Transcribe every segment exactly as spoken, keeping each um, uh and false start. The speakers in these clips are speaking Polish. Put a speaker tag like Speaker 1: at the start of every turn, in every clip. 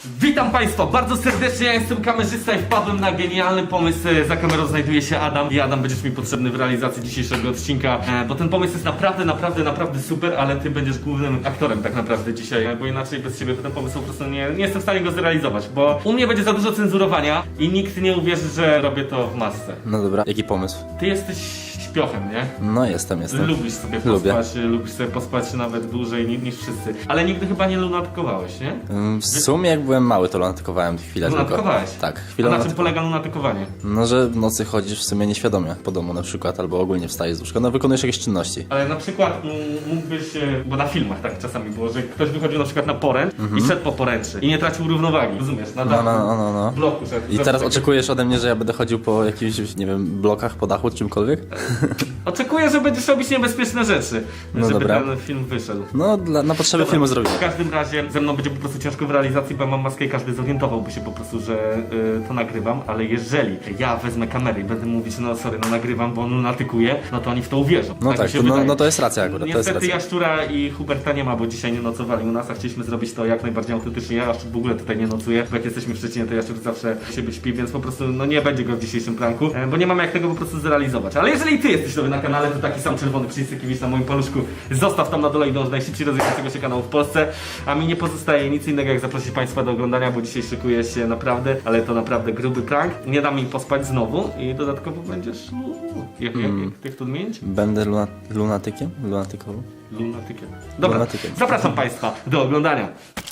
Speaker 1: Witam Państwa bardzo serdecznie, ja jestem kamerzysta i wpadłem na genialny pomysł. Za kamerą znajduje się Adam i Adam, będziesz mi potrzebny w realizacji dzisiejszego odcinka, e, bo ten pomysł jest naprawdę, naprawdę, naprawdę super, ale Ty będziesz głównym aktorem tak naprawdę dzisiaj, e, bo inaczej bez Ciebie ten pomysł po prostu nie, nie jestem w stanie go zrealizować, bo u mnie będzie za dużo cenzurowania i nikt nie uwierzy, że robię to w masce.
Speaker 2: No dobra, jaki pomysł?
Speaker 1: Ty jesteś śpiochem, nie?
Speaker 2: No jestem, jestem.
Speaker 1: Lubisz sobie
Speaker 2: Lubię.
Speaker 1: pospać, lubisz sobie pospać nawet dłużej ni- niż wszyscy, ale nigdy chyba nie lunatkowałeś, nie?
Speaker 2: Ym, W sumie jak byłem mały, to lunatykowałem chwilę tylko.
Speaker 1: Lunatkowałeś?
Speaker 2: Tak,
Speaker 1: A
Speaker 2: chwilę
Speaker 1: na czym
Speaker 2: lunatyk-
Speaker 1: polega lunatykowanie?
Speaker 2: No, że w nocy chodzisz w sumie nieświadomie po domu na przykład, albo ogólnie wstajesz z łóżka, no wykonujesz jakieś czynności.
Speaker 1: Ale na przykład mm, mógłbyś, e, bo na filmach tak czasami było, że ktoś wychodził na przykład na poręcz i szedł po poręczy i nie tracił równowagi, rozumiesz, na
Speaker 2: No,
Speaker 1: dachu,
Speaker 2: no, no, no, no.
Speaker 1: bloku szedł.
Speaker 2: I teraz
Speaker 1: Zobacz,
Speaker 2: oczekujesz ode mnie, że ja będę chodził po jakichś, nie wiem, blokach, po dachu, czymkolwiek?
Speaker 1: Oczekuję, że będziesz robić niebezpieczne rzeczy,
Speaker 2: No
Speaker 1: żeby
Speaker 2: dobra.
Speaker 1: ten film wyszedł.
Speaker 2: No, dla, na potrzeby filmu zrobimy.
Speaker 1: W każdym razie ze mną będzie po prostu ciężko w realizacji, bo ja mam maskę i każdy zorientowałby się po prostu, że y, to nagrywam, ale jeżeli ja wezmę kamerę i będę mówić, no sorry, no nagrywam, bo on lunatykuje, no to oni w to uwierzą.
Speaker 2: No
Speaker 1: mi
Speaker 2: tak,
Speaker 1: się
Speaker 2: to, no,
Speaker 1: wydaje.
Speaker 2: no to jest racja akurat, to jest
Speaker 1: Niestety
Speaker 2: racja.
Speaker 1: Jaszczura i Huberta nie ma, bo dzisiaj nie nocowali u nas, a chcieliśmy zrobić to jak najbardziej autentycznie. Ja Jaszczur w ogóle tutaj nie nocuje, bo jak jesteśmy w Szczecinie, to Jaszczur zawsze u siebie śpi, więc po prostu no nie będzie go w dzisiejszym pranku, e, bo nie mamy jak tego po prostu zrealizować. Ale jeżeli ty jesteś nowy na kanale, to taki sam czerwony przycisk jaki widzisz na moim paluszku, zostaw tam na dole i dąż do najszybciej rozwijającego się kanału w Polsce, a mi nie pozostaje nic innego jak zaprosić Państwa do oglądania, bo dzisiaj szykuje się naprawdę, ale to naprawdę gruby prank. Nie dam im pospać znowu i dodatkowo będziesz, jak, jak, jak tych tu odmienić?
Speaker 2: Będę luna, lunatykiem? Lunatykową?
Speaker 1: Lunatykiem. Dobra,
Speaker 2: Lunatykiem.
Speaker 1: zapraszam Państwa do oglądania.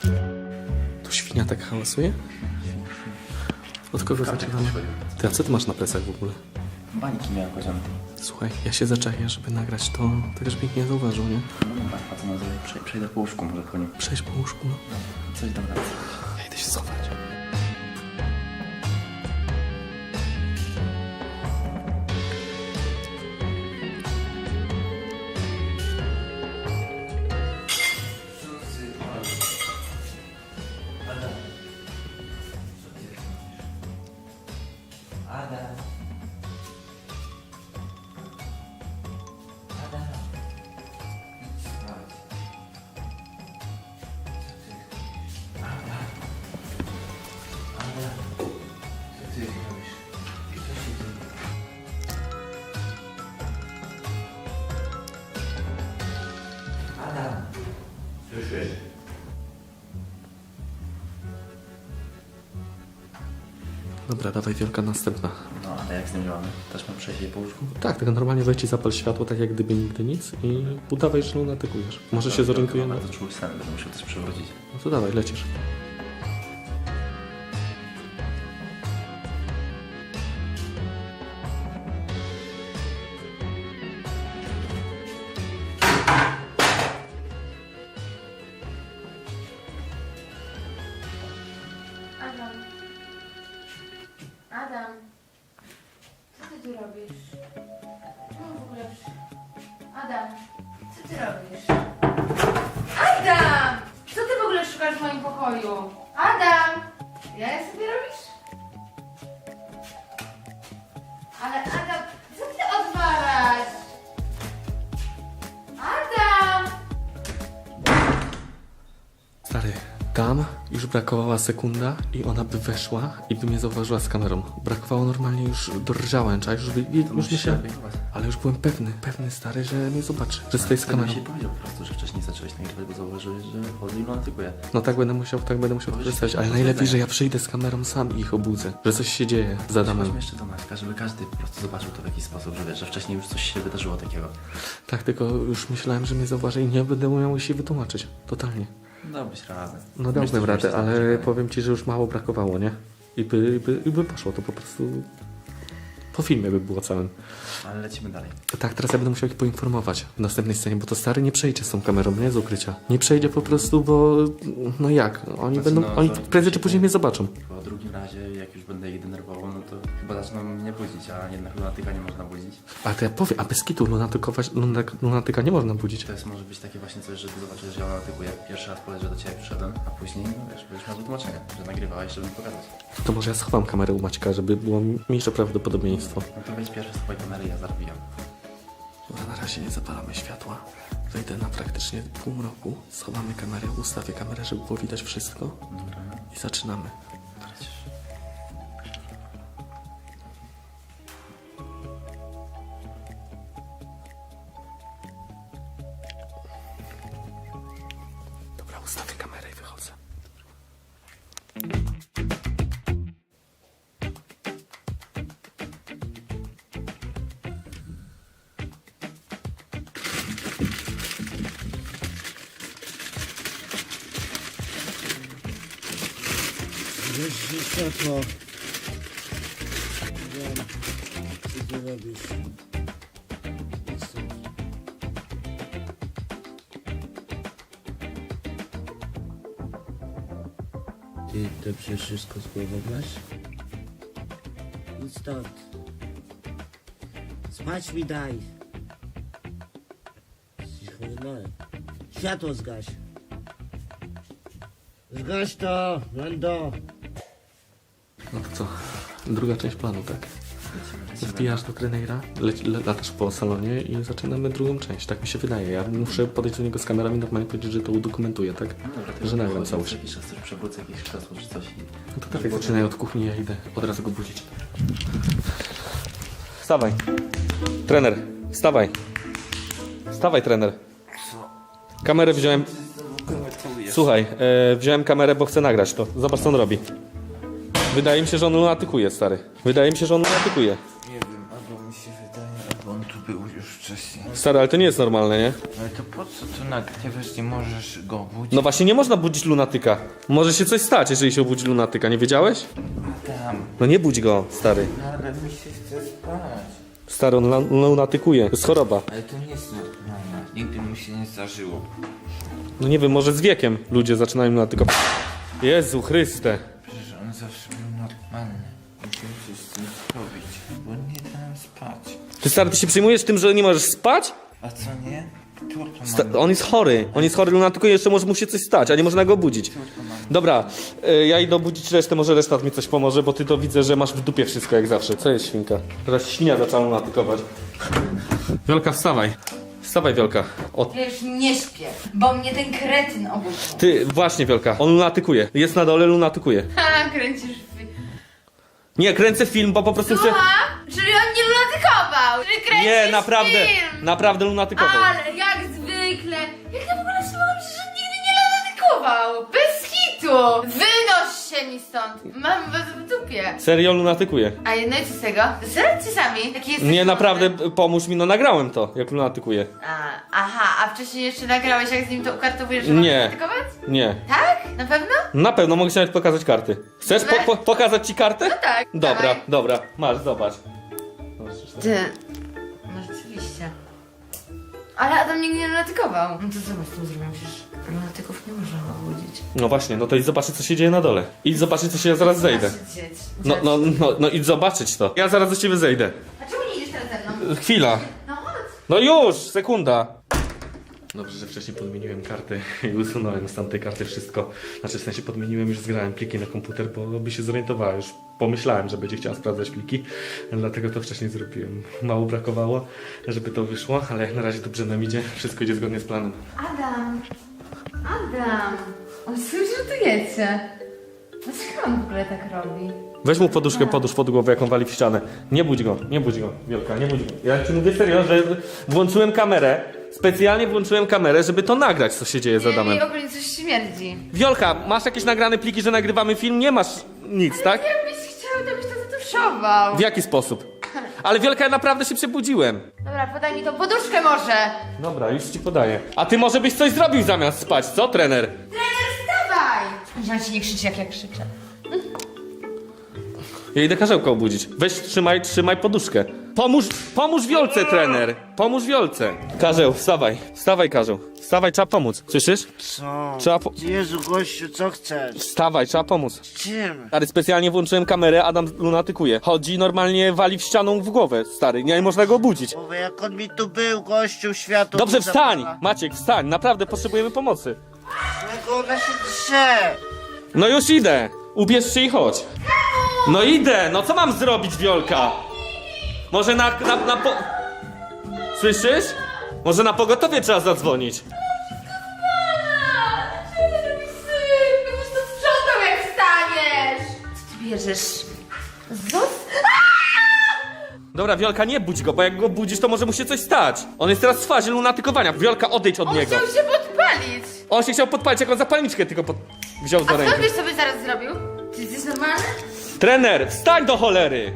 Speaker 3: Tu świnia tak hałasuje? Od kogo zaczynamy? Ty, a co ty masz na plecach w ogóle?
Speaker 2: Bańki miałem kozione.
Speaker 3: Słuchaj, ja się zaczaję, żeby nagrać to, tak żeby nikt nie zauważył, nie?
Speaker 2: No dobra, a co mam zrobić? Prze- Przejdę po łóżku może po nim.
Speaker 3: Przejść po łóżku, no.
Speaker 2: Coś tam robić.
Speaker 3: Ja idę się cofać. Dobra, dawaj wielka następna.
Speaker 2: No, ale jak z nim działamy? Też mam przejść jej po łóżku?
Speaker 3: Tak, tylko normalnie wejdź i zapal światło, tak jak gdyby nigdy nic i udawaj, że lunatykujesz. Może się zorientuje na...
Speaker 2: Bardzo czuły sen, będę musiał też przewrócić.
Speaker 3: No to dawaj, lecisz.
Speaker 4: Adam. Adam. Co ty tu robisz? Czemu w ogóle przy... Adam. Co ty robisz? Adam! Co ty w ogóle szukasz w moim pokoju? Adam! Ja sobie robisz? Ale Adam, co ty odwalasz? Adam!
Speaker 3: Stary, tam już brakowała sekunda i ona by weszła i by mnie zauważyła z kamerą. Brakowało normalnie już do rżałęcza, już, by, już myślałem, ale już byłem pewny, pewny stary, że mnie zobaczy, że stoi z
Speaker 2: Wtedy mi
Speaker 3: kamerą.
Speaker 2: się powiedział po prostu, że wcześniej zacząłeś nagrywać, bo zauważyłeś, że chodzę i lunatykuje.
Speaker 3: No tak będę musiał, tak będę musiał to
Speaker 2: Możesz-
Speaker 3: przedstawić, ale
Speaker 2: możesz
Speaker 3: najlepiej,
Speaker 2: tak.
Speaker 3: że ja przyjdę z kamerą sam i ich obudzę, że coś się dzieje z Adamem.
Speaker 2: Chodźmy jeszcze do Maćka, żeby każdy po prostu zobaczył to w jakiś sposób, że wiesz, że wcześniej już coś się wydarzyło takiego.
Speaker 3: Tak, tylko już myślałem, że mnie zauważy i nie będę miał się wytłumaczyć, totalnie.
Speaker 2: Dałbyś radę.
Speaker 3: No
Speaker 2: Myślę,
Speaker 3: dałbym
Speaker 2: że
Speaker 3: radę,
Speaker 2: myślę,
Speaker 3: ale
Speaker 2: że-
Speaker 3: powiem ci, że już mało brakowało, nie? I by, by, i by poszło to po prostu... Po filmie by było całym.
Speaker 2: Ale lecimy dalej.
Speaker 3: Tak, teraz ja będę musiał ich poinformować w następnej scenie, bo to stary nie przejdzie z tą kamerą, nie? Z ukrycia. Nie przejdzie po prostu, bo... No jak? Oni
Speaker 2: Znaczy,
Speaker 3: będą...
Speaker 2: no,
Speaker 3: Oni
Speaker 2: to-
Speaker 3: prędzej czy później mnie zobaczą.
Speaker 2: Po drugim razie, jak już będę ich denerwował, no to chyba zaczną mnie budzić, a jednak lunatyka nie można budzić.
Speaker 3: A to ja powiem, a bez kitu lunatykować, lunatyk, lunatyka nie można budzić.
Speaker 2: To jest może być takie właśnie coś, że ty zobaczysz, że ja lunatykuję. Pierwszy raz powiedz, że do ciebie przyszedłem, a później, no wiesz, będziesz miał wytłumaczenie, że nagrywałeś, żeby mi pokazać.
Speaker 3: To może ja schowam kamerę u Maćka, żeby było mniejsze prawdopodobieństwo.
Speaker 2: No to wejdź pierwszy z twojej kamery, ja zabijam.
Speaker 3: Dobra, na razie nie zapalamy światła. Wejdę na praktycznie półmroku, schowamy kamerę, ustawię kamerę, żeby było widać wszystko i zaczynamy. Dobra, ustawię kamerę i wychodzę.
Speaker 5: Weź światło. Wiem, co ty robisz. Idź stąd. Ty to przecież wszystko z głową masz? Idź stąd. Spać mi daj. Jesteś chory. Światło zgaś. Zgaś to, Lando.
Speaker 3: No to co? Druga część planu, tak? Wbijasz do trenera, le, le, latasz po salonie i zaczynamy drugą część, tak mi się wydaje. Ja muszę podejść do niego z kamerami i normalnie powiedzieć, że to udokumentuję, tak?
Speaker 2: No dobra, to
Speaker 3: Że nagram całość.
Speaker 2: Jakiś czas też przewrócę jakieś krzesło czy coś i...
Speaker 3: No to tak, zaczynaj od kuchni, ja idę od razu go budzić. Wstawaj. Trener, wstawaj. Wstawaj, trener. Kamerę wziąłem... Słuchaj, e, wziąłem kamerę, bo chcę nagrać to. Zobacz, co on robi. Wydaje mi się, że on lunatykuje, stary. Wydaje mi się, że on lunatykuje.
Speaker 6: Nie wiem, albo mi się wydaje, albo on tu był już wcześniej.
Speaker 3: Stary, ale to nie jest normalne, nie?
Speaker 6: Ale to po co tu nagrywasz? Nie możesz go budzić?
Speaker 3: No właśnie, nie można budzić lunatyka. Może się coś stać, jeżeli się obudzi lunatyka, nie wiedziałeś?
Speaker 6: Tam,
Speaker 3: No nie budź go, stary.
Speaker 6: ale mi się chce spać.
Speaker 3: Stary, on la- lunatykuje. To jest choroba.
Speaker 6: Ale to nie jest normalne. Nigdy mi się nie zdarzyło.
Speaker 3: No nie wiem, może z wiekiem ludzie zaczynają lunatykować. Jezu Chryste.
Speaker 6: Przecież on zawsze był normalny. Musimy coś z tym zrobić, bo nie dałem spać.
Speaker 3: Ty, stary, ty się przejmujesz tym, że nie możesz spać?
Speaker 6: A co nie? Turbo
Speaker 3: Sta-
Speaker 6: mam.
Speaker 3: on jest chory. On jest chory, lunatykuje, jeszcze może mu się coś stać, a nie można go budzić. Dobra, y, ja idę budzić resztę, może reszta mi coś pomoże, bo ty to widzę, że masz w dupie wszystko jak zawsze. Co jest świnka? Teraz świnia zaczęła lunatykować. Wiolka, wstawaj. Wstawaj, Wiolka. O,
Speaker 4: Ja już nie śpię, bo mnie ten kretyn obudził.
Speaker 3: ty, właśnie, Wiolka. On lunatykuje. Jest na dole, lunatykuje.
Speaker 4: Ha, kręcisz film.
Speaker 3: Nie, kręcę film, bo po prostu chcę...
Speaker 4: Słucham? Czyli on nie lunatykował! Czyli kręcisz
Speaker 3: Nie, naprawdę,
Speaker 4: film!
Speaker 3: naprawdę lunatykował.
Speaker 4: Ale jak zwykle! Jak ja w ogóle wspomniałam się, że nigdy nie lunatykował! Bez hitu! Wynoś się mi stąd! Mam was w dupie!
Speaker 3: Serio lunatykuje.
Speaker 4: A no i co z tego? Zaradźcie sami. Taki jesteś
Speaker 3: Nie, naprawdę,
Speaker 4: mądry.
Speaker 3: pomóż mi, no nagrałem to, jak lunatykuje.
Speaker 4: A, aha, a wcześniej jeszcze nagrałeś, jak z nim to ukartowujesz, że
Speaker 3: Nie.
Speaker 4: mam lunatykować?
Speaker 3: Nie.
Speaker 4: Tak? Na pewno?
Speaker 3: Na pewno, mogę ci nawet pokazać karty. Chcesz po, po, pokazać ci kartę?
Speaker 4: No tak.
Speaker 3: Dobra,
Speaker 4: dawaj.
Speaker 3: dobra, masz, zobacz.
Speaker 4: Ty. No rzeczywiście. Ale Adam nigdy nie lunatykował. No to co my z tym zrobimy? Przecież lunatyków nie można obudzić.
Speaker 3: No właśnie, no to idź zobaczyć, co się dzieje na dole. Idź zobaczyć, co się ja zaraz zejdę.
Speaker 4: Zobaczyć.
Speaker 3: No, no, no, no idź zobaczyć to. Ja zaraz do ciebie zejdę.
Speaker 4: A czemu nie idziesz teraz ze mną?
Speaker 3: Chwila.
Speaker 4: No chodź.
Speaker 3: No już, sekunda. Dobrze, że wcześniej podmieniłem karty i usunąłem z tamtej karty wszystko. Znaczy w sensie podmieniłem, już zgrałem pliki na komputer, bo by się zorientowała. Już pomyślałem, że będzie chciała sprawdzać pliki, dlatego to wcześniej zrobiłem. Mało brakowało, żeby to wyszło, ale jak na razie dobrze nam idzie. Wszystko idzie zgodnie z planem.
Speaker 4: Adam. Adam. On sobie żartujecie. Dlaczego on w ogóle tak robi?
Speaker 3: Weź mu poduszkę, podłóż pod głowę, jaką wali w ścianę. Nie budź go, nie budź go, Wielka, nie budź go. Ja ci mówię serio, że włączyłem kamerę, specjalnie włączyłem kamerę, żeby to nagrać, co się dzieje z Adamem.
Speaker 4: I ogólnie coś śmierdzi.
Speaker 3: Wiolka, masz jakieś nagrane pliki, że nagrywamy film? Nie masz nic, tak?
Speaker 4: Jakbyś chciał, to byś to zatuszował.
Speaker 3: W jaki sposób? Ale Wiolka, ja naprawdę się przebudziłem.
Speaker 4: Dobra, podaj mi tą poduszkę może.
Speaker 3: Dobra, już ci podaję. A ty może byś coś zrobił zamiast spać, co, trener?
Speaker 4: Trener, wstawaj! Że ci nie krzyczy, jak ja krzyczę.
Speaker 3: Ja idę Karzełka obudzić. Weź, trzymaj, trzymaj poduszkę. Pomóż, pomóż Wiolce, trener. Pomóż Wiolce. Karzeł, wstawaj. Wstawaj, Karzeł. Wstawaj, trzeba pomóc. Słyszysz?
Speaker 5: Co?
Speaker 3: Trzeba po...
Speaker 5: Jezu, gościu, co chcesz?
Speaker 3: Wstawaj, trzeba pomóc.
Speaker 5: Czym?
Speaker 3: Stary, specjalnie włączyłem kamerę, Adam lunatykuje. Chodzi, normalnie wali w ścianą w głowę, stary. Nie można go obudzić.
Speaker 5: Mówię, jak on mi tu był, gościu, światło
Speaker 3: Dobrze,
Speaker 5: mi
Speaker 3: wstań!
Speaker 5: zapala.
Speaker 3: Maciek, wstań. Naprawdę potrzebujemy pomocy.
Speaker 5: Czego ona się drze?
Speaker 3: No już idę. Ubierz się i chodź. No idę. No co mam zrobić, Wiolka? Może na... na, na po... Słyszysz? Może na pogotowie trzeba zadzwonić.
Speaker 4: Będziesz to sprzątał jak wstaniesz! Co ty bierzesz? Zos...
Speaker 3: Dobra, Wiolka, nie budź go, bo jak go budzisz, to może mu się coś stać. On jest teraz w fazie lunatykowania. Wiolka, odejdź od
Speaker 4: On
Speaker 3: niego.
Speaker 4: chciał się podpalić!
Speaker 3: On się chciał podpalić, jak on zapalniczkę tylko pod... wziął do
Speaker 4: A co
Speaker 3: ręki.
Speaker 4: byś sobie zaraz zrobił? Ty jesteś normalny?
Speaker 3: Trener, wstań do cholery!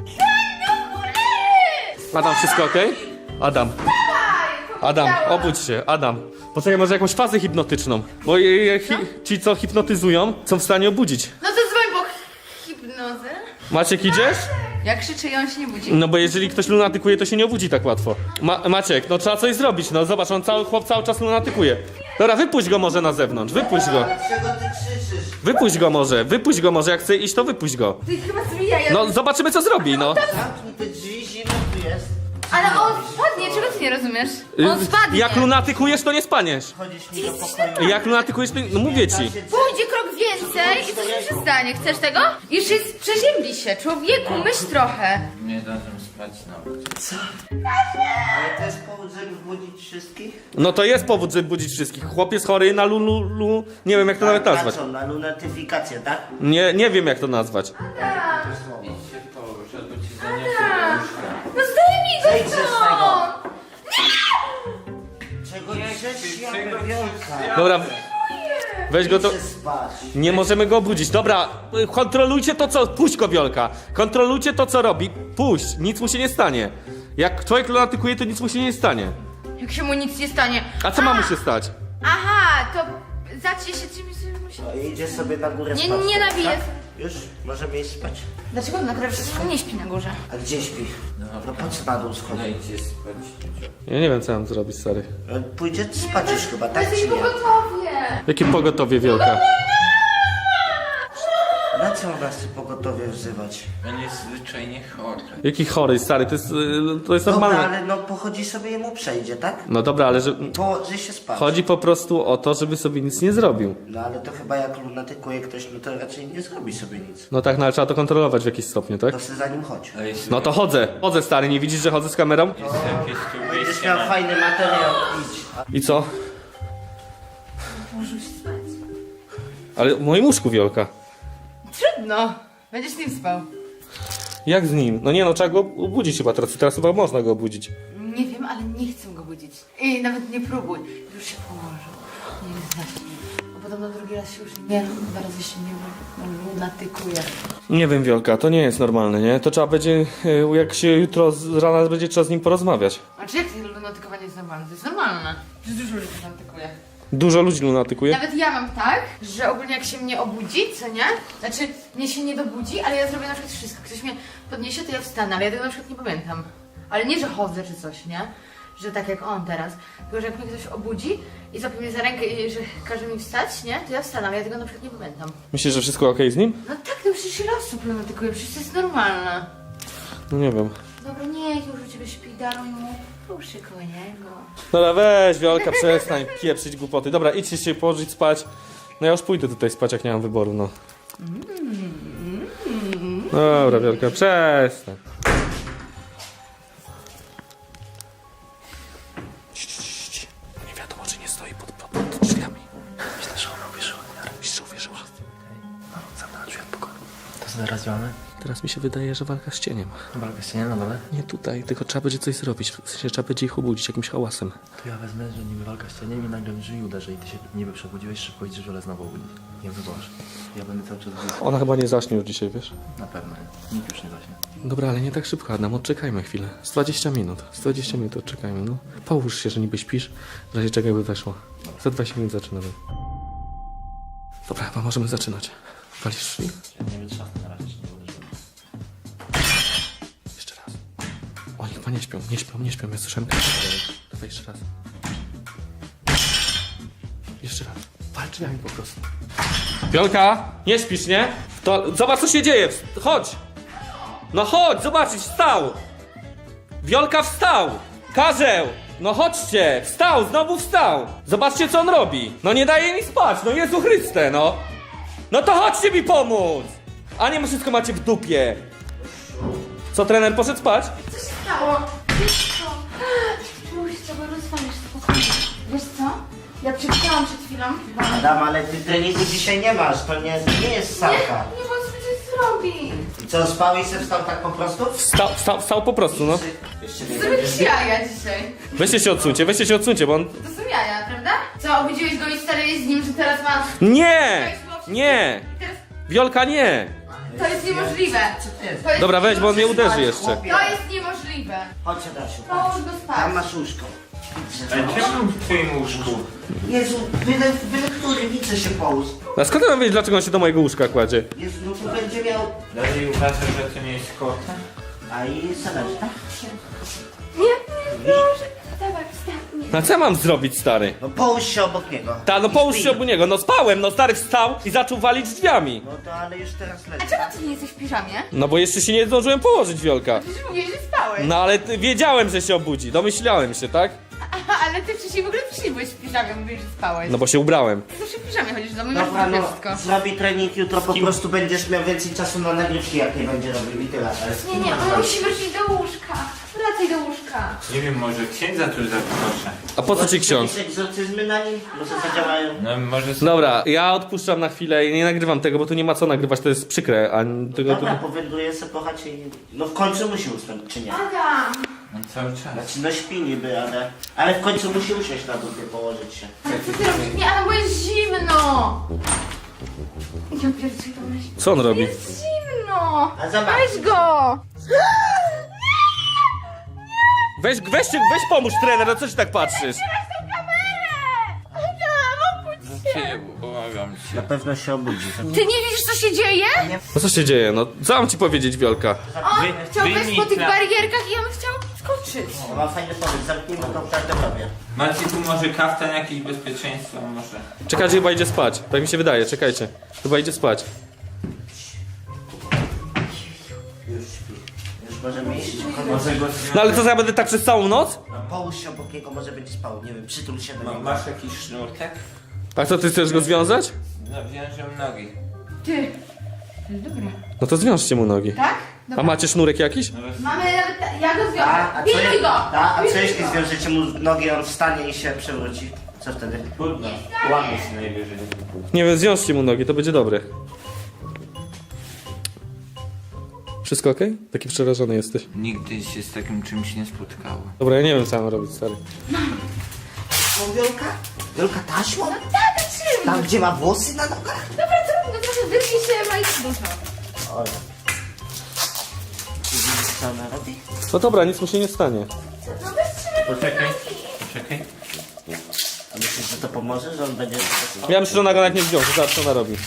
Speaker 3: Adam, wszystko okej? Adam, Adam, obudź się, Adam. Poczekaj, może jakąś fazę hipnotyczną. Bo je, je, hi, ci, co hipnotyzują, są w stanie obudzić.
Speaker 4: No to dzwoń po hipnozę.
Speaker 3: Maciek, idziesz?
Speaker 4: Jak krzyczy i on się nie budzi.
Speaker 3: No bo jeżeli ktoś lunatykuje, to się nie obudzi tak łatwo. Ma Maciek, no trzeba coś zrobić, no zobacz, on cały chłop cały czas lunatykuje. Dobra, wypuść go może na zewnątrz, wypuść go.
Speaker 5: Dlaczego ty krzyczysz?
Speaker 3: Wypuść go może, wypuść go może, jak chce iść, to wypuść go.
Speaker 4: Ty chyba sobie jaja...
Speaker 3: No zobaczymy, co zrobi, no.
Speaker 5: Zamknij te drzwi, zimno tu jest.
Speaker 4: Ale on spadnie, czego ty nie rozumiesz? On
Speaker 3: Y,
Speaker 4: spadnie.
Speaker 3: Jak lunatykujesz, to nie spaniesz.
Speaker 5: Chodzisz mi do pokoju.
Speaker 3: Jak lunatykujesz, to... No mówię ci.
Speaker 4: Pójdzie krok więcej i coś mi się stanie. Chcesz tego? Jeszcze jest, przeziębi się. Człowieku, myśl trochę.
Speaker 6: Nie dadzą spać nawet.
Speaker 5: Ale to jest powód, żeby budzić wszystkich?
Speaker 3: No to jest powód, żeby budzić wszystkich. Chłop jest chory na lulu, lu... Nie wiem, jak to nawet
Speaker 5: Na
Speaker 3: nazwać.
Speaker 5: co? Na lunatyfikację, tak?
Speaker 3: Nie, nie wiem, jak to nazwać.
Speaker 6: Idź się połóż, albo ci zaniosę do łóżka.
Speaker 4: No zdejmij go
Speaker 5: Zejdź ze swego.
Speaker 4: stąd!
Speaker 5: Czego drzesz jak wielka?
Speaker 3: Dobra, weź go to...
Speaker 5: Chcę spać.
Speaker 3: Nie możemy go obudzić. Dobra, y, kontrolujcie to, co... Puść go, Wiolka. Kontrolujcie to, co robi. Puść, nic mu się nie stanie. Jak człowiek lunatykuje, to nic mu się nie stanie.
Speaker 4: Jak się mu nic nie stanie.
Speaker 3: A co ma mu się stać?
Speaker 4: Aha, to zacznie się czymś, co musi...
Speaker 5: No i idzie sobie na górę
Speaker 4: Nie,
Speaker 5: spać.
Speaker 4: nie
Speaker 5: tak?
Speaker 4: nabiję.
Speaker 5: Już? Możemy iść spać?
Speaker 4: Dlaczego on naprawdę wszystko nie śpi na górze?
Speaker 5: A gdzie śpi? No po co na dół
Speaker 6: No
Speaker 5: schodzi?
Speaker 6: idzie spać.
Speaker 3: Ja nie wiem, co mam zrobić, stary.
Speaker 5: No, pójdzie spać już chyba, tak
Speaker 4: Jesteś
Speaker 5: czy nie?
Speaker 4: pogotowie!
Speaker 3: Jakie pogotowie, Wiolka?
Speaker 5: Na co nas tu pogotowie wzywać?
Speaker 6: On jest zwyczajnie chory.
Speaker 3: Jaki chory, stary, to jest, y, to jest
Speaker 5: Dobra,
Speaker 3: normalne.
Speaker 5: ale no pochodzi sobie i mu przejdzie, tak?
Speaker 3: No dobra, ale że...
Speaker 5: Położy się spać.
Speaker 3: Chodzi po prostu o to, żeby sobie nic nie zrobił.
Speaker 5: No ale to chyba jak lunatykuje ktoś, no to raczej nie zrobi sobie nic.
Speaker 3: No tak, no ale trzeba to kontrolować w jakiś stopniu, tak?
Speaker 5: To sobie za nim chodź.
Speaker 6: Ale jest
Speaker 3: No to chodzę. Chodzę, stary, nie widzisz, że chodzę z kamerą?
Speaker 6: jest jakieś tu
Speaker 5: Będziesz
Speaker 6: wyjście
Speaker 5: miał
Speaker 6: na...
Speaker 5: fajny materiał, idź. A
Speaker 3: I co?
Speaker 4: Możesz spać.
Speaker 3: Ale w moim łóżku, Wiolka.
Speaker 4: Trudno. Będziesz z nim spał.
Speaker 3: Jak z nim? No nie no, trzeba go obudzić chyba teraz. Teraz chyba można go obudzić.
Speaker 4: Nie wiem, ale nie chcę go budzić. I nawet nie próbuj. Już się położył. Nie zacznie. Bo podobno drugi raz się już nie, dwa razy się nie lunatykuje.
Speaker 3: Nie wiem, Wiolka, to nie jest normalne, nie? To trzeba będzie, y, jak się jutro z rana będzie, trzeba z nim porozmawiać.
Speaker 4: A czy jak lunatykowanie jest normalne? To jest normalne. Że dużo ludzi lunatykuje.
Speaker 3: Dużo ludzi lunatykuje.
Speaker 4: Nawet ja mam tak, że ogólnie jak się mnie obudzi, co nie? Znaczy, mnie się nie dobudzi, ale ja zrobię na przykład wszystko. Ktoś mnie podniesie, to ja wstanę, ale ja tego na przykład nie pamiętam. Ale nie, że chodzę czy coś, nie? Że tak jak on teraz. Tylko, że jak mnie ktoś obudzi i złapie mnie za rękę i że każe mi wstać, nie? To ja wstanę, ale ja tego na przykład nie pamiętam.
Speaker 3: Myślisz, że wszystko okej z nim?
Speaker 4: No tak, no przecież ile osób lunatykuje, przecież to jest normalne.
Speaker 3: No nie wiem.
Speaker 4: Dobra, niech już u ciebie śpi, daruj mu uszy koło niego.
Speaker 3: Dobra, weź, Wiolka, przestań pieprzyć głupoty. Dobra, idźcie się położyć spać. No ja już pójdę tutaj spać, jak nie mam wyboru, no. Dobra, Wiolka, przestań. Cii, cii, cii. Nie wiadomo, czy nie stoi pod, pod, pod drzwiami.
Speaker 2: Myślę, że ona uwierzyła.
Speaker 3: Myślisz, że uwierzyła?
Speaker 2: No, zamknęła drzwi od pokoju. To co teraz działamy?
Speaker 3: Teraz mi się wydaje, że walka z cieniem.
Speaker 2: Walka z cieniem na dole?
Speaker 3: Nie tutaj, tylko trzeba będzie coś zrobić. W sensie trzeba będzie ich obudzić jakimś hałasem.
Speaker 2: To ja wezmę, że niby walka z cieniem i nagle w drzwi uderzę i ty się niby przebudziłeś, szybko idziesz, ale znowu obudzić. Nie wyborz. Ja będę cały czas blisko.
Speaker 3: Ona chyba nie zaśnie już dzisiaj, wiesz?
Speaker 2: Na pewno nie. Nikt już nie zaśnie.
Speaker 3: Dobra, ale nie tak szybko, Adam, odczekajmy chwilę. Z dwadzieścia minut. Z dwadzieścia minut odczekajmy, no. Połóż się, że niby śpisz, w razie czego by weszło. Za dwadzieścia minut zaczynamy. Dobra, chyba możemy zaczynać. Walisz drzwi?
Speaker 2: Ja nie wytrzasnę na razie, czy nie uderzyłem.
Speaker 3: Jeszcze raz. Oni chyba nie śpią, nie śpią, nie śpią, ja słyszałem krew. Dawaj jeszcze raz. Jeszcze raz. Wal drzwiami po prostu. Wiolka, nie śpisz, nie? To zobacz, co się dzieje. Chodź. No chodź, zobaczyć, wstał. Wiolka wstał. Karzeł. No chodźcie, wstał, znowu wstał. Zobaczcie, co on robi. No nie daje mi spać, no Jezu Chryste, no. No to chodźcie mi pomóc. A nie, wszystko macie w dupie. Co, trener poszedł spać?
Speaker 4: Co się stało? Wiesz co? Czuł się Ja przeczytałam przed chwilą.
Speaker 5: Adam, ale ty treningu dzisiaj nie masz, to nie, nie jest
Speaker 4: Nie,
Speaker 5: salka.
Speaker 4: nie, bo on sobie coś zrobi.
Speaker 5: I co, spał i se wstał tak po prostu?
Speaker 3: Wstał, wstał, wstał po prostu, no.
Speaker 5: Jeszcze nie
Speaker 4: Zrobię
Speaker 5: będziesz...
Speaker 4: ci jaja dzisiaj.
Speaker 3: Weźcie się odsuńcie, weźcie się odsuńcie, bo on...
Speaker 4: To są jaja, prawda? Co, obudziłeś go i stary jest z nim, że teraz ma...
Speaker 3: Nie! Nie!
Speaker 4: I teraz...
Speaker 3: Wiolka, nie!
Speaker 4: To jest niemożliwe.
Speaker 5: Co to jest?
Speaker 4: To jest
Speaker 3: Dobra, weź, bo on mnie uderzy jeszcze.
Speaker 4: To jest niemożliwe.
Speaker 5: Chodź, Adasiu,
Speaker 4: Połóż
Speaker 5: chodź.
Speaker 4: go
Speaker 5: Tam
Speaker 4: spać.
Speaker 5: masz łóżko.
Speaker 6: Ale czemu w twoim łóżku?
Speaker 5: Jezu, byle, byle który, widzę się połóż.
Speaker 3: A skąd ja mam wiedzieć, dlaczego on się do mojego łóżka kładzie?
Speaker 5: Jezu, no tu będzie miał...
Speaker 6: Dalej uważasz, że to nie jest kota?
Speaker 5: A i Seleczka?
Speaker 4: Nie, nie, proszę. Dawaj, wstawnie.
Speaker 3: A co ja mam zrobić, stary?
Speaker 5: No połóż się obok niego.
Speaker 3: Ta, no
Speaker 5: I
Speaker 3: połóż
Speaker 5: śpij.
Speaker 3: się obok niego, no spałem, no stary wstał i zaczął walić drzwiami.
Speaker 5: No to ale już teraz
Speaker 4: A
Speaker 5: leci.
Speaker 4: czemu ty nie jesteś w piżamie?
Speaker 3: No bo jeszcze się nie zdążyłem położyć, Wiolka.
Speaker 4: Przecież mówiłeś, że spałeś.
Speaker 3: No ale ty, wiedziałem, że się obudzi, domyślałem się, tak?
Speaker 4: Aha, ale ty wcześniej w ogóle też nie byłeś w piżamie, mówiłeś, że spałeś.
Speaker 3: No bo się ubrałem.
Speaker 4: Ty zawsze w piżamie chodzisz do domu i masz
Speaker 5: Dobra,
Speaker 4: no,
Speaker 5: no,
Speaker 4: wszystko.
Speaker 5: zrobi trening jutro, po prostu będziesz miał więcej czasu na nagrywki, jak nie będzie robił i tyle. Ale
Speaker 4: Nie, nie, on musi wrócić do łóżka. Wracaj do łóżka.
Speaker 6: Nie wiem, może księdza tu zaproszę.
Speaker 3: A po co ci ksiądz?
Speaker 5: Jakieś egzorcyzmy na nim? Może zadziałają?
Speaker 6: No może...
Speaker 3: Dobra, ja odpuszczam na chwilę i nie nagrywam tego, bo tu nie ma co nagrywać, to jest przykre, a tego tu...
Speaker 5: Dobra, powędruję sobie po chacie i... No w końcu musi usnąć, czy nie?
Speaker 4: Adam!
Speaker 6: No cały czas.
Speaker 5: Znaczy, no śpi niby, ale... Ale w końcu musi usiąść na dupie, położyć się.
Speaker 4: Ale co ty robisz? Nie, Adam, bo jest zimno! Ja pierdzielę,
Speaker 3: Co on robi?
Speaker 4: jest zimno!
Speaker 5: A zobacz.
Speaker 4: Weź go!
Speaker 3: Weź, weź, się- weź pomóż trener, no co się tak patrzysz?
Speaker 4: Weź tą kamerę! Adam, obudź się!
Speaker 6: Cię, błagam
Speaker 5: Na
Speaker 6: cię.
Speaker 5: pewno się obudzi.
Speaker 4: Ty nie widzisz, co się dzieje?
Speaker 3: No co się dzieje, no co mam ci powiedzieć, Wiolka?
Speaker 4: On
Speaker 6: Wy-
Speaker 4: chciał wejść
Speaker 6: wyjmij
Speaker 4: po tych
Speaker 6: kla-
Speaker 4: barierkach i on chciał skoczyć.
Speaker 5: To ma fajny pomysł, zamknijmy tą kartę robię.
Speaker 6: Macie tu może kaftan, jakieś bezpieczeństwo, może?
Speaker 3: Czekajcie, chyba idzie spać, tak mi się wydaje, czekajcie. Chyba idzie spać.
Speaker 5: Już śpi. Już możemy iść.
Speaker 6: Może go...
Speaker 3: No ale co, ja będę tak przez całą noc?
Speaker 5: Połóż się obok niego, może będzie spał. Nie wiem, przytul się do
Speaker 6: Ma,
Speaker 5: niego.
Speaker 6: masz jakiś sznurtek?
Speaker 3: A co, ty chcesz go związać?
Speaker 6: No wiążę nogi.
Speaker 4: Ty. Dobra.
Speaker 3: No to zwiążcie mu nogi.
Speaker 4: Tak?
Speaker 3: A
Speaker 4: Dobra.
Speaker 3: macie sznurek jakiś?
Speaker 4: Mamy nawet... ta- Ja go
Speaker 5: A,
Speaker 4: zwiążę.
Speaker 5: a, co,
Speaker 4: Pilnuj
Speaker 5: je,
Speaker 4: go!
Speaker 5: a, a co
Speaker 4: Pilnuj
Speaker 5: jeśli
Speaker 4: go.
Speaker 5: zwiążecie mu nogi, on wstanie i się przewróci? Co wtedy?
Speaker 6: Trudno. Łamie się najwyżej.
Speaker 3: Nie wiem, zwiążcie mu nogi, to będzie dobre. Wszystko okej? Taki przerażony jesteś.
Speaker 6: Nigdy się z takim czymś nie spotkało.
Speaker 3: Dobra, ja nie wiem co mam robić, stary.
Speaker 5: O, Wiolka? Wiolka taśmą?
Speaker 4: No tak, a czym?
Speaker 5: Tam, gdzie ma włosy na nogach?
Speaker 4: Dobra, co? No trochę wyrwij się, ma i dużo.
Speaker 5: Oj. Widzisz, co ona robi?
Speaker 3: No dobra, nic mu się nie stanie.
Speaker 4: No bez trzymaj
Speaker 6: Poczekaj. Poczekaj.
Speaker 5: A myślisz, że to pomoże, że on będzie...
Speaker 3: Ja myślę, że ona go nawet nie zwiąże, zobacz co ona robi.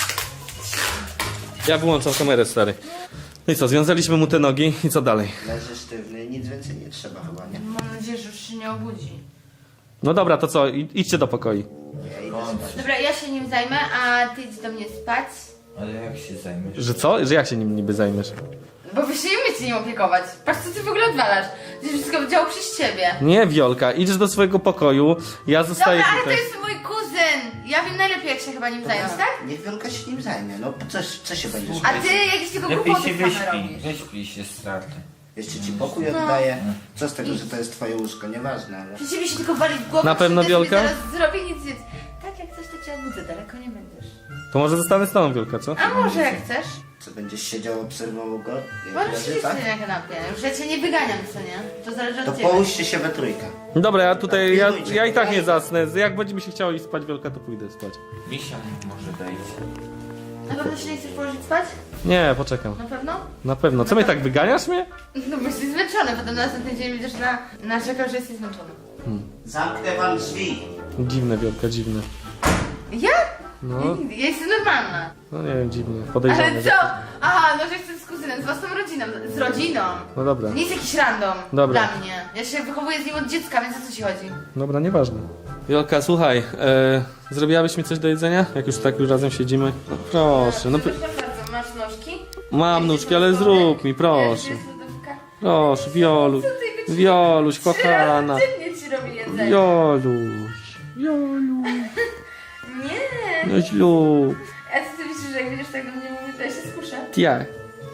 Speaker 3: Ja wyłączam kamerę, stary. No i co, związaliśmy mu te nogi i co dalej?
Speaker 5: Leży sztywny, nic więcej nie trzeba chyba, nie?
Speaker 4: Mam nadzieję, że już się nie obudzi.
Speaker 3: No dobra, to co, I- idźcie do pokoi.
Speaker 5: Ja idę spać.
Speaker 4: Dobra, ja się nim zajmę, a ty idź do mnie spać.
Speaker 6: Ale jak się zajmiesz?
Speaker 3: Że co? Że jak się nim niby zajmiesz?
Speaker 4: Bo wy się nie umiecie nim opiekować. Patrz, co ty w ogóle odwalasz. To się wszystko działo przez ciebie.
Speaker 3: Nie, Wiolka, idź do swojego pokoju, ja zostaję
Speaker 4: Dobra, ale to
Speaker 3: tutaj.
Speaker 4: jest mój kuzyn. Ja wiem najlepiej, jak się chyba nim zająć, tak?
Speaker 5: Niech Wiolka się nim zajmie, no co, co się będziesz...
Speaker 4: A ty jakieś tylko
Speaker 6: Lepiej
Speaker 4: głupoty
Speaker 6: się
Speaker 4: same
Speaker 6: wyśpi.
Speaker 4: robisz.
Speaker 6: Wyśpij się starty.
Speaker 5: Jeszcze ci pokój oddaję. Co z tego, że to jest twoje łóżko, nieważne, ale...
Speaker 4: Że ciebie się tylko wali w głowę.
Speaker 3: Na pewno,
Speaker 4: że ty sobie
Speaker 3: Wiolka?
Speaker 4: zaraz zrobię nic, nic. Tak, jak coś, to cię obudzę, daleko nie będziesz.
Speaker 3: To może zostanę z tobą, Wiolka, co?
Speaker 4: A może jak chcesz?
Speaker 5: Co, będziesz siedział, obserwował go? Jak
Speaker 4: Możesz
Speaker 5: leży,
Speaker 4: siedzieć
Speaker 5: tak?
Speaker 4: sobie na kanapie. Już ja cię nie wyganiam, co nie? To zależy od
Speaker 5: To
Speaker 4: ciebie.
Speaker 5: połóżcie się we trójkę.
Speaker 3: Dobra, ja tutaj, ja,
Speaker 5: Pilnujcie
Speaker 3: ja i
Speaker 5: go,
Speaker 3: tak
Speaker 5: ja
Speaker 3: nie
Speaker 5: i-
Speaker 3: zasnę. Jak będzie mi się chciało iść spać, Wiolka, to pójdę spać.
Speaker 6: Misia może dajcie.
Speaker 4: Na pewno się nie chcesz położyć spać?
Speaker 3: Nie, poczekam.
Speaker 4: Na pewno?
Speaker 3: Na pewno. Co mnie tak wyganiasz mnie?
Speaker 4: No bo jesteś zmęczony, potem na następny dzień będziesz na, narzekał, że jesteś zmęczony.
Speaker 5: Zamknę wam drzwi.
Speaker 3: Dziwne, Wiolka, dziwne.
Speaker 4: Ja?
Speaker 3: No,
Speaker 4: Ja, ja jestem normalna.
Speaker 3: no nie wiem, dziwne. Podejrzane.
Speaker 4: Ale co? Aha, no że jestem z kuzynem, z własną rodziną, z rodziną.
Speaker 3: No dobra,
Speaker 4: Nie jest jakiś random
Speaker 3: Dobra.
Speaker 4: dla mnie. Ja się wychowuję z nim od dziecka, więc o co ci chodzi?
Speaker 3: dobra, nieważne. Wiolka, słuchaj, e, zrobiłabyś mi coś do jedzenia? Jak już tak już razem siedzimy? No proszę, no p-
Speaker 4: Przepraszam bardzo, masz nóżki?
Speaker 3: mam nóżki, ale zrób mi, proszę.
Speaker 4: Jest lodówka.
Speaker 3: Proszę, Wioluś, Wioluś, kochana.
Speaker 4: Dziennie ci robię jedzenie.
Speaker 3: Wioluś, Wioluś,
Speaker 4: Nie.
Speaker 3: no ślub.
Speaker 4: A co ty myślisz, że jak będziesz tak do mnie mówić, to ja się skuszę?
Speaker 3: Jak?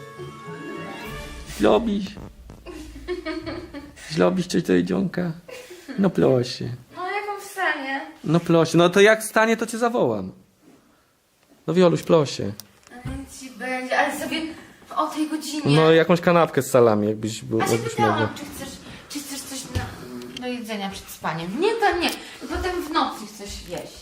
Speaker 3: Zrobisz? Zrobisz coś do jedzonka? No proszę.
Speaker 4: No jak on wstanie?
Speaker 3: No plosie, no to jak stanie, to cię zawołam. No Wioluś, plosie.
Speaker 4: Nic ci będzie, ale sobie o tej godzinie.
Speaker 3: No jakąś kanapkę z salami, jakbyś, był,
Speaker 4: A się
Speaker 3: jakbyś mogła.
Speaker 4: pytałam, czy chcesz, czy chcesz coś na, do jedzenia przed spaniem. Nie, to nie. I potem w nocy chcesz jeść.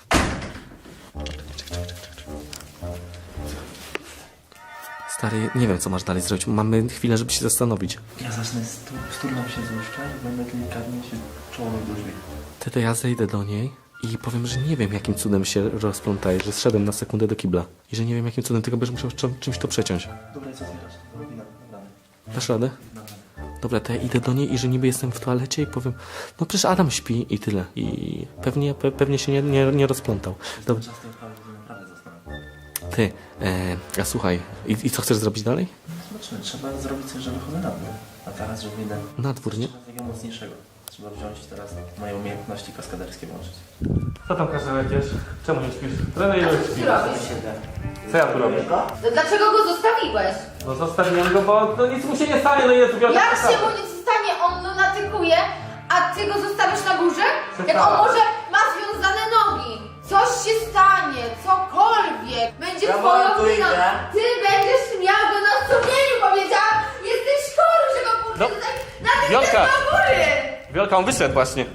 Speaker 3: Stary, nie wiem co masz dalej zrobić. Mamy chwilę, żeby się zastanowić.
Speaker 2: Ja zacznę stu, sturną się z łóżka i będę delikatnie się czołem do drzwi.
Speaker 3: Ty to ja zejdę do niej i powiem, że nie wiem jakim cudem się rozplątaje, że zszedłem na sekundę do kibla. I że nie wiem jakim cudem, tylko będziesz musiał czym- czymś to przeciąć.
Speaker 2: Dobra, co zbierasz? Robina, damy.
Speaker 3: Dasz radę? Dobra, to ja idę do niej i że niby jestem w toalecie i powiem, no przecież Adam śpi i tyle. I pewnie, pe, pewnie się nie, nie, nie rozplątał. Dobra,
Speaker 2: Czas ten prawie naprawdę zasnąłem.
Speaker 3: ty, e, a słuchaj, i, i co chcesz zrobić dalej?
Speaker 2: Zobaczymy, trzeba zrobić coś, że wychodzę na dół. A teraz, żeby idę
Speaker 3: Na dwór, nie?
Speaker 2: takiego mocniejszego. Trzeba wziąć teraz moje umiejętności kaskaderskie włączyć.
Speaker 1: Co tam każdy jakieś? Czemu nie śpisz? Trener ile
Speaker 4: Co
Speaker 1: śpi?
Speaker 4: ty robisz?
Speaker 1: Co ja tu robię?
Speaker 4: To dlaczego go zostawiłeś?
Speaker 1: No zostawiłem go, bo no nic mu się nie stanie, no jest Wiolka.
Speaker 4: Jak się mu nic stanie, on lunatykuje, a ty go zostawisz na górze? Jak on może ma związane nogi? Coś się stanie, cokolwiek. Będzie
Speaker 5: Ja
Speaker 4: twoją
Speaker 5: mam tu
Speaker 4: winą.
Speaker 5: idę.
Speaker 4: Ty będziesz miał go na sumieniu, powiedziałam. Jesteś chory, że go kurczę
Speaker 1: No,
Speaker 4: tutaj na tym
Speaker 1: Wiolka.
Speaker 4: do góry.
Speaker 1: Wiolka, on wyszedł właśnie.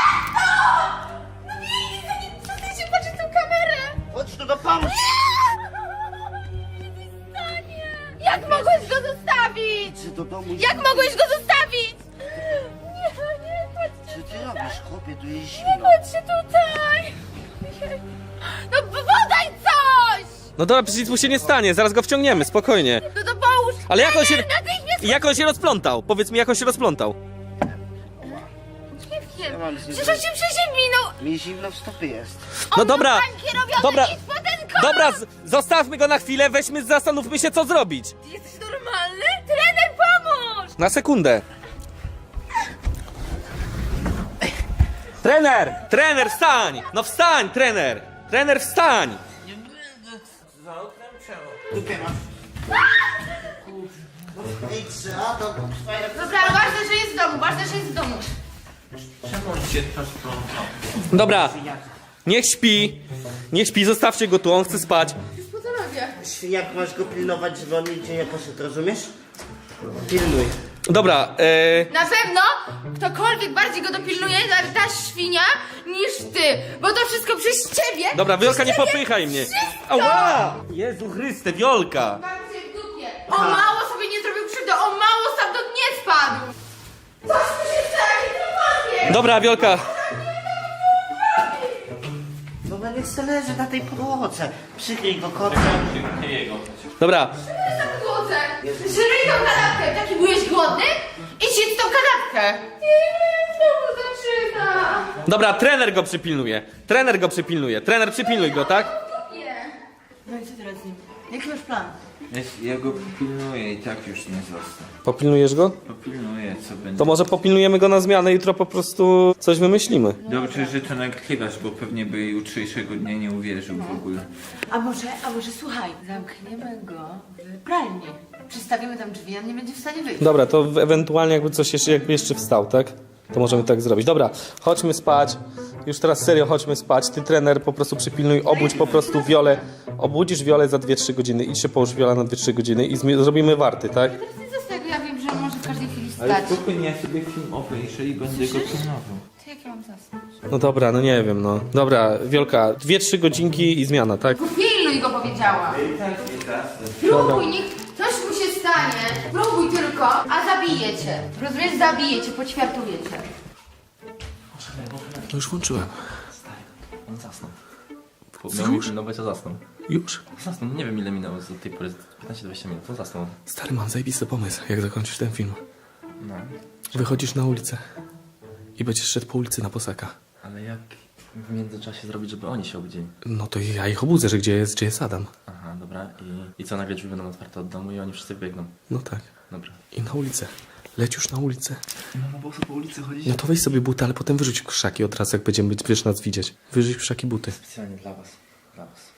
Speaker 4: No nie, nie, nie, przestań się patrzeć w tą kamerę.
Speaker 5: Chodź tu do pomóc!
Speaker 4: Jak mogłeś go zostawić?
Speaker 5: Czy do domu?
Speaker 4: Jak mogłeś go zostawić? Nie, nie, chodź.
Speaker 5: Co ty robisz, chłopie? Tu jest
Speaker 4: Nie
Speaker 5: zimno.
Speaker 4: chodź się tutaj! No podaj coś!
Speaker 3: No dobra, przecież nic mu się nie stanie, zaraz go wciągniemy, spokojnie.
Speaker 4: No to połóż!
Speaker 3: Ale jak on się,
Speaker 4: Natychmiast
Speaker 3: jak on się rozplątał? Powiedz mi, jak on się rozplątał.
Speaker 4: nie wiem!
Speaker 5: Ja mam zimno.
Speaker 4: Przecież on się przeziębił!
Speaker 5: Mi zimno w stopie jest.
Speaker 3: No dobra,
Speaker 4: Bańki robione,
Speaker 3: dobra,
Speaker 4: idź po ten kot!
Speaker 3: dobra, z- zostawmy go na chwilę, weźmy, zastanówmy się, co zrobić.
Speaker 4: Ty jesteś normalny? Trener, pomóż!
Speaker 3: Na sekundę. Trener! Trener, wstań! No wstań, trener! Trener, wstań!
Speaker 5: Dupie masz. Ej, co? To twoja...
Speaker 4: Dobra, ale ważne, że jest w domu, ważne, że jest w domu.
Speaker 6: Czemu on się rozplątał?
Speaker 3: Dobra, niech śpi. Niech śpi, zostawcie go tu, on chce spać.
Speaker 4: Po co robię?
Speaker 5: Jak masz go pilnować, żeby on nigdzie nie poszedł, rozumiesz? Pilnuj.
Speaker 3: Dobra, e,
Speaker 4: Na pewno ktokolwiek bardziej go dopilnuje, ta, ta świnia, niż ty. Bo to wszystko przez ciebie.
Speaker 3: dobra, Wiolka, nie
Speaker 4: przez ciebie
Speaker 3: popychaj mnie.
Speaker 4: wszystko.
Speaker 3: Ała! Jezu Chryste, Wiolka!
Speaker 4: Mam cię w dupie. O mało sobie nie zrobił krzywdy, o mało sam do nie spadł. Coś mu się stanie, cokolwiek.
Speaker 3: Dobra, Wiolka.
Speaker 5: No bo niech se leży na tej podłodze. Przykryj go kocem.
Speaker 3: Dobra,
Speaker 4: Na podłodze. Żryj tą kanapkę. Taki byłeś głodny? Idź jedz tą kanapkę. Nie, znowu zaczyna.
Speaker 3: dobra, trener go przypilnuje. Trener go przypilnuje. Trener, przypilnuj go, tak?
Speaker 4: Nie. No i co teraz z nim? Jaki masz plan?
Speaker 6: Ja, ja go popilnuję i tak już nie został.
Speaker 3: Popilnujesz go?
Speaker 6: Popilnuję, co będzie.
Speaker 3: To może popilnujemy go na zmianę, jutro po prostu coś wymyślimy.
Speaker 6: Dobrze, że to nagrywasz, bo pewnie by jutrzejszego dnia nie uwierzył w ogóle.
Speaker 4: A może, a może słuchaj, zamkniemy go w pralni. Przystawimy tam drzwi, on nie będzie w stanie wyjść.
Speaker 3: Dobra, to w- ewentualnie jakby coś jeszcze, jakby jeszcze wstał, tak? To możemy tak zrobić. Dobra, chodźmy spać. Już teraz serio, chodźmy spać. Ty, trener, po prostu przypilnuj, obudź po prostu Wiolę. Obudzisz Wiolę za dwie trzy godziny. Idź się połóż Wiola na dwie trzy godziny i zmi- zrobimy warty, tak?
Speaker 4: Teraz nic z tego, ja wiem, że on może w każdej chwili
Speaker 6: Ale
Speaker 4: stać.
Speaker 6: spokojnie, ja sobie film obejrzę i będę go pilnował.
Speaker 4: To jak ja mam zasnąć?
Speaker 3: No dobra, no nie wiem, no. Dobra, Wiolka, dwie trzy godzinki i zmiana, tak?
Speaker 4: Pilnuj go, powiedziałam. Próbuj, niech coś mu się stanie. Próbuj tylko, a zabije cię. Rozumiesz? Zabije cię, poćwiartuje cię.
Speaker 3: No już włączyłem.
Speaker 2: On zasnął. Miał mi pilnować, a zasnął.
Speaker 3: Już?
Speaker 2: Zasnął, nie wiem ile minęło od tej pory, piętnaście dwadzieścia minut, on zasnął.
Speaker 3: Stary, mam zajebisty pomysł, jak zakończysz ten film.
Speaker 2: No,
Speaker 3: Wychodzisz na ulicę i będziesz szedł po ulicy na posaka.
Speaker 2: ale jak w międzyczasie zrobić, żeby oni się obudzili?
Speaker 3: No to ja ich obudzę, że gdzie jest, gdzie jest Adam.
Speaker 2: Aha, dobra. I, i co, nagle drzwi będą otwarte od domu i oni wszyscy biegną.
Speaker 3: No tak.
Speaker 2: Dobra.
Speaker 3: I na ulicę. Leć już na ulicę.
Speaker 2: No, no bo po ulicy chodzić?
Speaker 3: No to weź sobie buty, ale potem wyrzuć krzaki od razu, jak będziemy wiesz, nas widzieć. Wyrzuć krzaki buty.
Speaker 2: Specjalnie dla was. Dla was.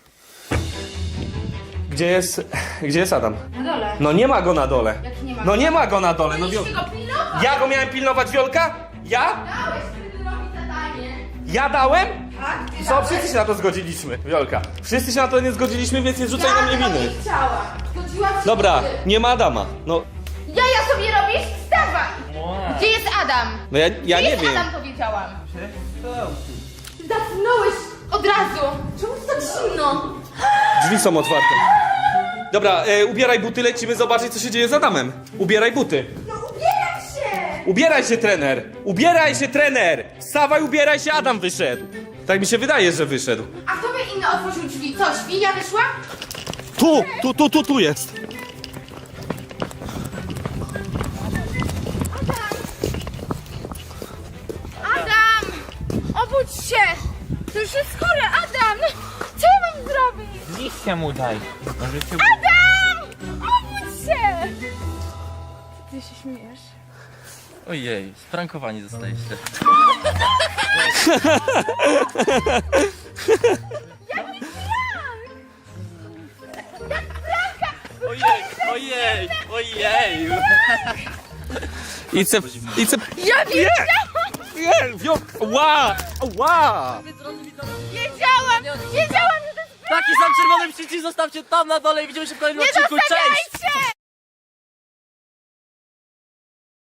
Speaker 3: Gdzie jest, gdzie jest Adam?
Speaker 4: Na dole.
Speaker 3: No nie ma go na dole.
Speaker 4: Jak nie ma?
Speaker 3: No nie ma go na dole. No
Speaker 4: Powinniśmy
Speaker 3: Wiol...
Speaker 4: go pilnować.
Speaker 3: Ja go miałem pilnować, Wiolka? Ja?
Speaker 4: Dałeś kredytowi zadanie.
Speaker 3: Ja dałem?
Speaker 4: Tak?
Speaker 3: Co? Wszyscy się na to zgodziliśmy, Wiolka. Wszyscy się na to nie zgodziliśmy, więc nie zrzucaj na mnie
Speaker 4: Ja
Speaker 3: winy.
Speaker 4: tego nie chciałam. Zgodziłam się.
Speaker 3: Dobra,
Speaker 4: ty.
Speaker 3: nie ma Adama. No,
Speaker 4: Jaja sobie robisz? Wstawaj! Gdzie jest Adam?
Speaker 3: no ja, ja
Speaker 4: Gdzie
Speaker 3: nie
Speaker 4: jest
Speaker 3: wiem.
Speaker 4: Adam, powiedziałam. Zamknąłeś od razu. Czemu jest tak zimno?
Speaker 3: Drzwi są otwarte. Dobra, e, ubieraj buty, lecimy zobaczyć, co się dzieje z Adamem. Ubieraj buty.
Speaker 4: No ubieram się!
Speaker 3: Ubieraj się, trener! Ubieraj się, trener! Wstawaj, ubieraj się, Adam wyszedł. Tak mi się wydaje, że wyszedł.
Speaker 4: A kto by inny otworzył drzwi? Co, świnia wyszła?
Speaker 3: Tu, tu, tu, tu, tu jest.
Speaker 4: Adam! Obudź się! To już jest chory, Adam! No, co ja mam zrobić?
Speaker 6: Liście mu daj. Może cię...
Speaker 4: Adam! Obudź się! Ty się śmiejesz?
Speaker 2: Ojej, sprankowani zostaliście. Ojej, ojej, ojej.
Speaker 3: Idź se, idź se...
Speaker 4: Ja wiedziałam!
Speaker 3: Nie, Wiol... Ła! Ła!
Speaker 4: Wiedziałam! Wiedziałam, że to jest...
Speaker 2: Taki sam czerwony przycisk zostawcie tam na dole i widzimy się w kolejnym
Speaker 4: Nie
Speaker 2: odcinku. Cześć!
Speaker 4: zostawiajcie!